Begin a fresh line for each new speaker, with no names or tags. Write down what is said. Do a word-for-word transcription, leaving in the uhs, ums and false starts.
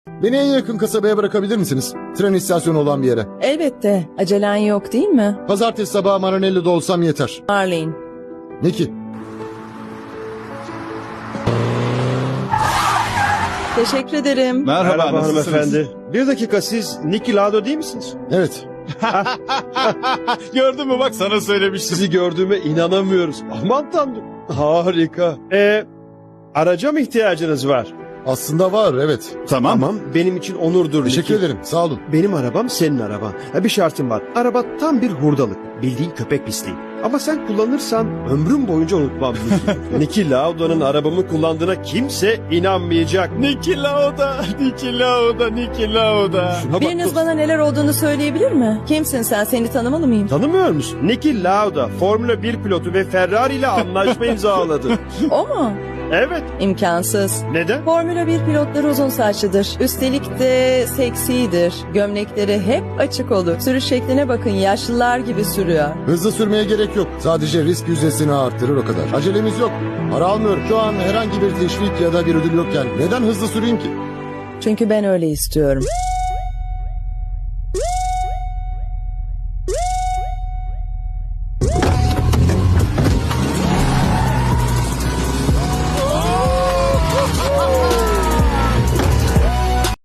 Beni en yakın kasabaya bırakabilir misiniz? Tren istasyonu olan bir yere.
Elbette. Acelen yok değil mi?
Pazartesi sabahı Maranello'da olsam yeter.
Marlene.
Nicky.
Teşekkür ederim.
Merhaba,
Merhaba
nasılsınız?
hanımefendi. Bir dakika, siz Nicky Lado değil misiniz?
Evet.
Gördün mü, bak sana söylemiştim.
Sizi gördüğüme inanamıyoruz. Aman tanrım. Harika. Ee, araca mı ihtiyacınız var?
Aslında var, evet.
Tamam.
Tamam, benim için onurdur
Teşekkür
Nicky.
ederim, sağ olun.
Benim arabam senin araban. Ha, bir şartım var. Araba tam bir hurdalık. Bildiğin köpek pisliği. Ama sen kullanırsan ömrüm boyunca unutmam. Nicky Lauda'nın arabamı kullandığına kimse inanmayacak.
Niki Lauda, Niki Lauda, Niki Lauda.
Şuna bak
Biriniz
dostum.
bana neler olduğunu söyleyebilir mi? Kimsin sen? Seni tanımalı mıyım?
Tanımıyor musun? Nicky Lauda, Formula bir pilotu ve Ferrari ile anlaşma imzaladı.
O mu?
Evet.
İmkansız.
Neden?
Formula bir pilotları uzun saçlıdır. Üstelik de seksidir. Gömlekleri hep açık olur. Sürüş şekline bakın, yaşlılar gibi sürüyor.
Hızlı sürmeye gerek yok. Sadece risk yüzdesini arttırır o kadar. Acelemiz yok. Para almıyorum. Şu an herhangi bir teşvik ya da bir ödül yokken neden hızlı süreyim ki?
Çünkü ben öyle istiyorum.